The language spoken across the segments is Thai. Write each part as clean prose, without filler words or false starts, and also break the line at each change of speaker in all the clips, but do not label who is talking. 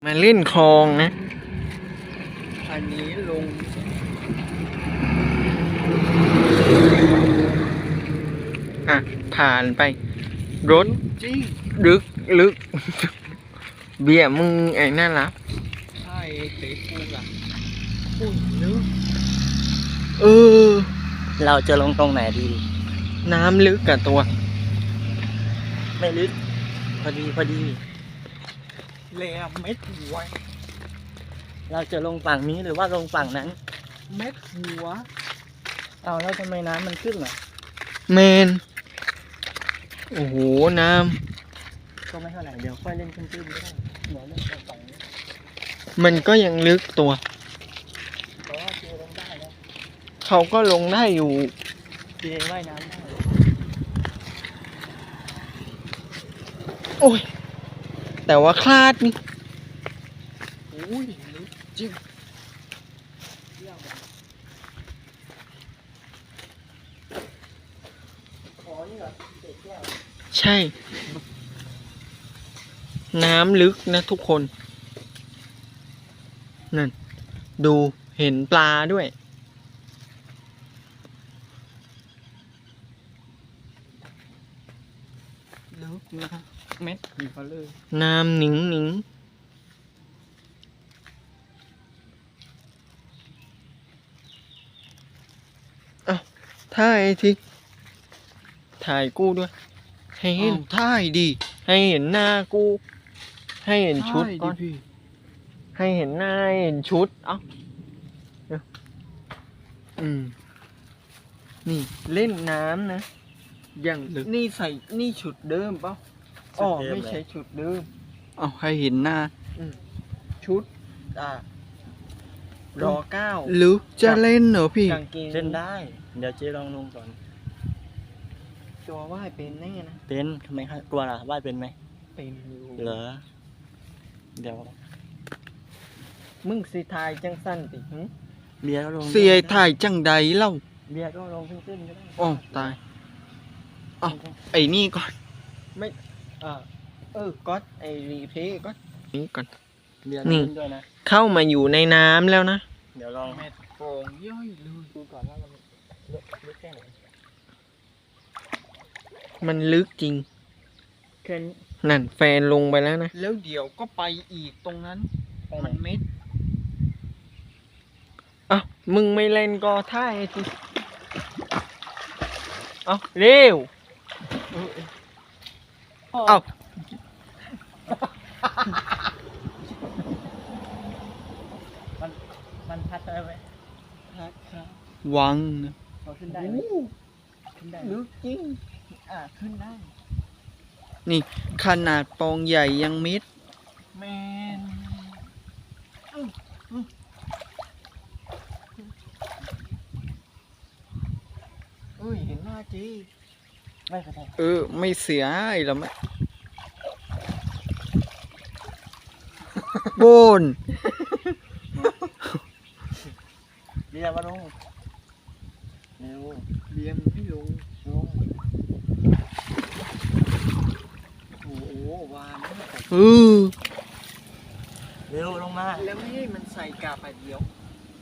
มาเล่นคลองนะอันนี้ลงผ่านไปรถลึกเบียร์มึงไอ้น่ารักใช่เตะกูล่ะพูดลึก
เราจะลงตรงไหนดี
น้ำลึกกับตัว
ไม่ลึกพอดี
แหลมเม็ดหัว
เราจะลงฝั่งนี้หรือว่าลงฝั่งนั้น
เม็ดหัว
เอาแล้วทำไมน้ำมันขึ้นล่ะ
เมนโอ้โหน้
ำก็ไม่เท่าไหร่เดี๋ยวค่อยเล่นขึ้นก็ได้เดี๋ยวเล่นฝั่งนี้
มันก็ยังลึกตัว
เพราะว่าเจลงได้แล้ว
เขาก็ลงได้อยู่
เจว่ายน้ำได้
โอ้ยแต่ว่าคลาดนี่อุ้ยลึกจริงใช่น้ำลึกนะทุกคนนั่นดูเห็นปลาด้วยลึกนะเม็ดหัวเลยน้ำหนิงถ่ายทีถ่ายกูด้วยให้เห็นถ่ายดีให้เห็นหน้ากูให้เห็นชุดก่อนให้เห็นหน้าให้เห็นชุดนี่เล่นน้ำนะอย่างนี่ใส่นี่ชุดเดิมเปล่าไม่ใช่ชุดเดิมให้เห็นหน้าชุดรอ9หรือจะเล่นเหรอพี่
เล่นได้เดี๋ยวเจ๊ลองลงก่อน
ตัวว่ายเป็นแน่นะ
เป็นทำไมครับกลัวล่ะว่ายเป็นไหม
เป็นอยู่
เหรอเดี๋ยว
มึงสิทายจังสั้นติ
เบียร์ก็ลง
เสียถ่ายจังใดเล่า
เบียร์ก็ลงขึ้นก็ได้
ตายไอ้นี่ก่อนไม่ก็ไอ้รีเพย์ก็นี่ก่อน
นี่ด้วยนะ
เข้ามาอยู่ในน้ำแล้วนะ
เดี๋ยวลอง
แม่โป่งย่อยเลย
ดูก่อนว่ามันลึกแค่ไหน
มันลึกจริงนั่นแฟนลงไปแล้วนะแล้วเดี๋ยวก็ไปอีกตรงนั้นมันเม็ดมึงไม่เล่นก็ท่ายสิเร็ว
มันพัดได้ไหม
พัดครับวังนะ
ขึ้นได้ขึ้นได้
ลึกจริง
ขึ้นได้
นี่ขนาดปองใหญ่ยังมิด
แมน
เห็นหน้าจี
ไม่เป็นไร
ไม่เสียไอ้ละแม่โบน
เบียร์มาลงเร็ว
เบียร์ไม่ลงโอ้โหวาน
เร็วลงมา
แล้วไม่ให้มันใส่กาบเดียว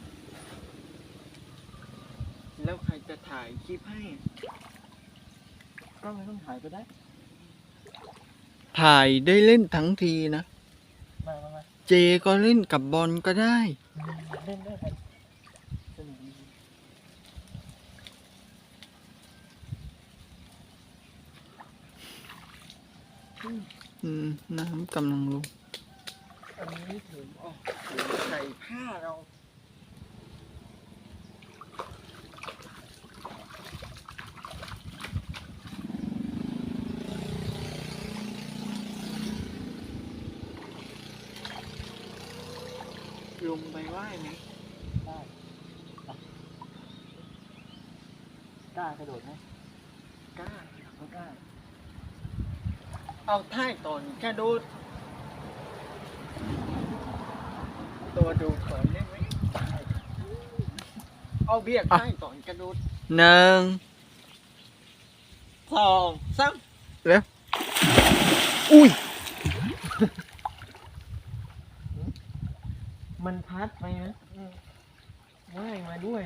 แล้วใครจะถ่ายคลิปให้
ก็ไม่ต้องถ่ายก็ได้
ถ่ายได้เล่นทั้งทีนะ
มา
เจก็เล่นกับบอลก็ได้
เล่นได้ครับ
น้ำกำลังลงอันนี้ถึงใส่ผ้าเราลงไปว่ายไหม
ได้กล้ากระโดดไหม
กล้าเอาท่ายตอนกระโดดตัวดูถอยได้ไหมเอาเบียกท่ายตอนกระโดด1 2 3แล้วอุ้ยมันพัดไปนะว่ายมาด้วย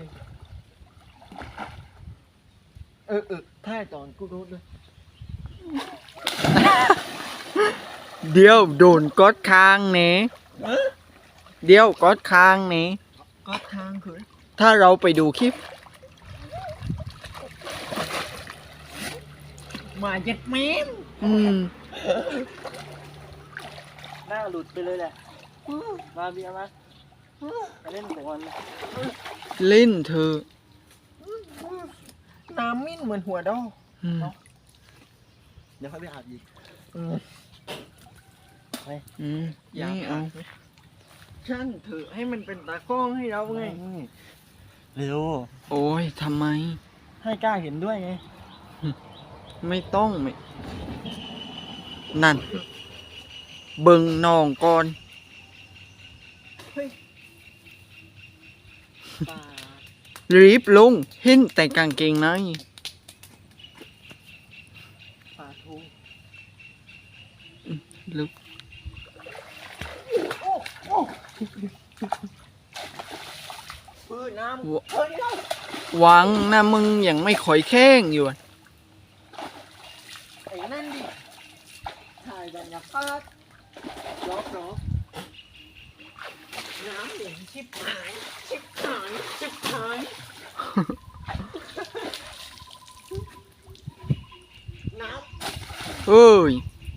ถ่ายตอนกูโดดเลยเดี๋ยวโดนกดค้างเน่เดี๋ยวกดค้างเน่กดค้างคือถ้าเราไปดูคลิปมาเจ็ดเมตร
หน้าหลุดไปเลยแหละมาเบียร์มาไปเล่นก่อน
เล่นเธอน้ำมิ้นเหมือนหัวดอก
เดี๋ยวค่อยไปอาบอีก
อย่าเอาช่างเถอะให้มันเป็นตากล้องให้เราไง
เร็ว
โอ้ยทำไม
ให้กล้าเห็นด้วยไง
ไม่ต้องไม่นั่นเบิ่งน้องก่อนรีบลงเห็นแต่กางเกงใน
ปลาทู
ลึกหวังนะมึงยังไม่ค่อยแข้งอยู่
ไอ้นั่นดิถ่ายบรรยากาศรอบน้ำเหลืองชิบหายน้ำ
เอ้ย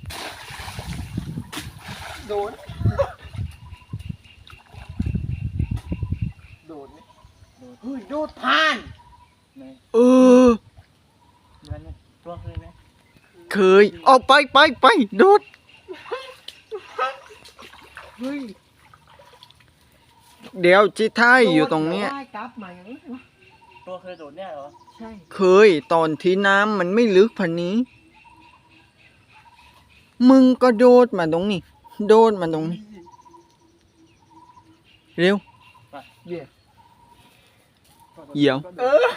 โดนไหมโดดผ่าน
เออ
ตัวเคยไหม
เคยเอาไปโดดเดี๋ยวจิท้ายอยู่ตรงเนี้ย
ตัวเคยโดดเนี่ยเหรอ
ใช่เคยตอนที่น้ำมันไม่ลึกพันนี้มึงก็โดดมาตรงนี้โดดมาตรงนี้เร็วเดี๋ยว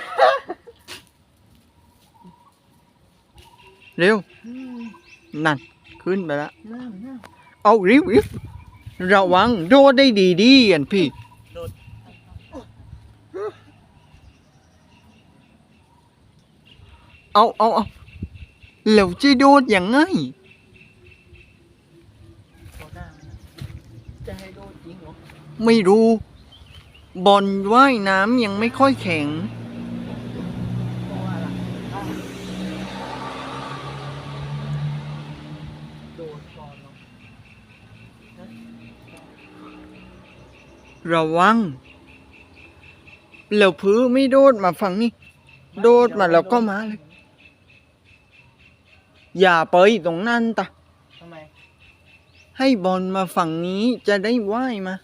เร็วนั่นขึ้นไปแล้วเอาริบระวังโดดได้ดีๆอันพี่เอาแล้วจะโดดยังไง
จะให้โดดจริงเหรอ
ไม่รู้บอลว่ายน้ำยังไม่ค่อยแข็งระวังแล้วพื้นไม่โดดมาฝั่งนี้โดดมาแล้วก็มาเลยอย่าไปตรงนั้นตะ
ทำไม
ให้บอลมาฝั่งนี้จะได้ว่ายมา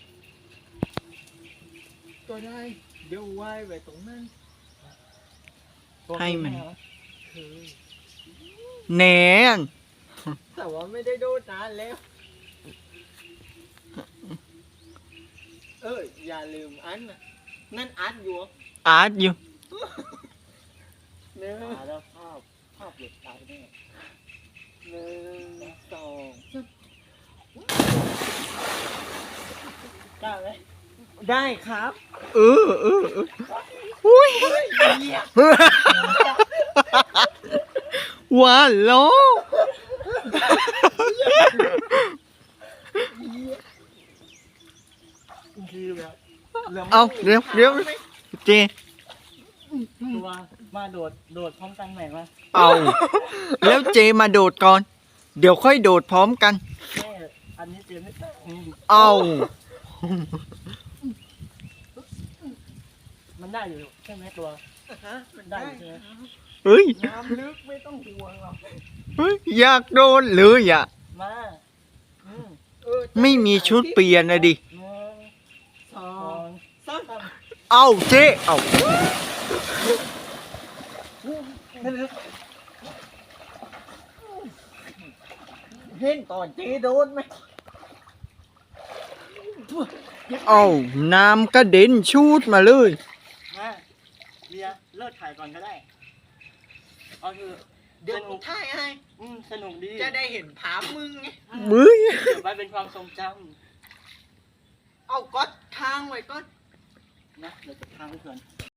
ก็ได้เดี๋ยวว่ายไปตรงนั้น
ให้มันแหน
แต่ว่าไม่ได้โดดนานแล้วอย่าลืมอันน่ะนั่นอัดอยู่
อาร์ตอยู่
แล้วภาพหลุดตายแน่1 2 กล้าไหม
ได้ครับอุ้ยว้าล้อเอาเร็วเจ
ตัวมาโดดพร้อมกันไหมวะ
เอาแล้วเจมาโดดก่อนเดี๋ยวค่อยโดดพร้อมกัน
อันนี้เจไม่ได้
เอา
มันได้อยู่ใช่ไหมตัวมันได้ใช่ไหม
เฮ้ย
น้ำลึกไม่ต้องห่วงหรอก
เฮ้ยอยากโดนเลยอ่ะ
มา
ไม่มีชุดเปลี่ยนนะดิ
1 2 3
เอาเจ๊เอา
เห็นตอนเจ๊โดนไหม
เอาน้ำกระเด็นชูดมาเลย
เบียร์เลิกถ่ายก่อนก็ได้เอาคือเดี๋ยวถ่ายให้สนุกดีจะได้เห็นภาพมึงไง
มึง
เก็บไว้เป็นความทรงจำเอา
ไว้ก่อน
นะเดี๋ยวจะทางเพื่อน